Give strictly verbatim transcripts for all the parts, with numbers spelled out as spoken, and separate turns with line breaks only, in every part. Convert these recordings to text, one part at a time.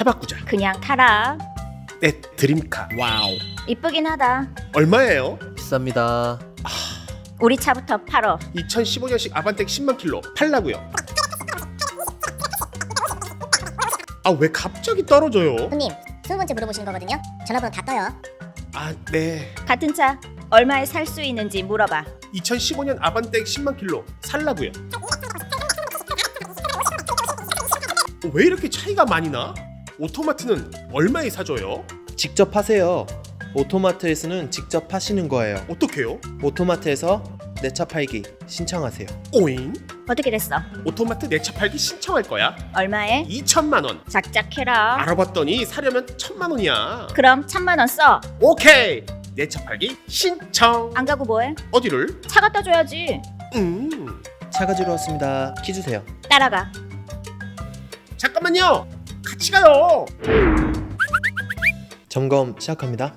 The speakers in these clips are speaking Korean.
차 바꾸자.
그냥 타라.
네, 드림카. 와우.
이쁘긴 하다.
얼마예요?
비쌉니다.
우리 차부터 팔어.
이천십오 년식 아반떼 십만 킬로 팔라고요. 아, 왜 갑자기 떨어져요?
손님, 스무 번째 물어보시는 거거든요. 전화번호 다 떠요.
아, 네.
같은 차 얼마에 살 수 있는지 물어봐.
이천십오 년 아반떼 십만 킬로 살라고요. 어, 왜 이렇게 차이가 많이 나? 오토마트는 얼마에 사줘요?
직접 하세요. 오토마트에서는 직접 파시는 거예요.
어떻게요?
오토마트에서 내 차 팔기 신청하세요.
오잉?
어떻게 됐어?
오토마트 내 차 팔기 신청할 거야.
얼마에?
이천만 원.
작작해라.
알아봤더니 사려면 천만 원이야.
그럼 천만 원 써.
오케이. 내 차 팔기 신청.
안 가고 뭐해?
어디를?
차 갖다 줘야지.
음.
차 가지러 왔습니다. 키 주세요.
따라가.
잠깐만요. 같이 가요.
점검 시작합니다.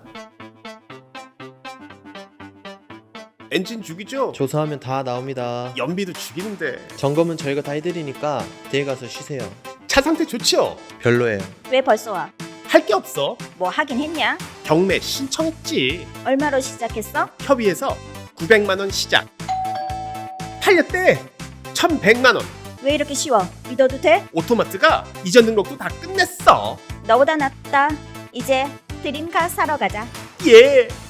엔진 죽이죠?
조사하면 다 나옵니다.
연비도 죽이는데.
점검은 저희가 다 해드리니까 뒤에 가서 쉬세요.
차 상태 좋죠?
별로예요.
왜 벌써 와?
할 게 없어.
뭐 하긴 했냐?
경매 신청했지.
얼마로 시작했어?
협의해서 구백만 원 시작. 팔렸대. 천백만 원.
왜 이렇게 쉬워? 믿어도 돼?
오토마트가 이전 등록도 다 끝냈어.
너보다 낫다. 이제 드림카 사러 가자.
예.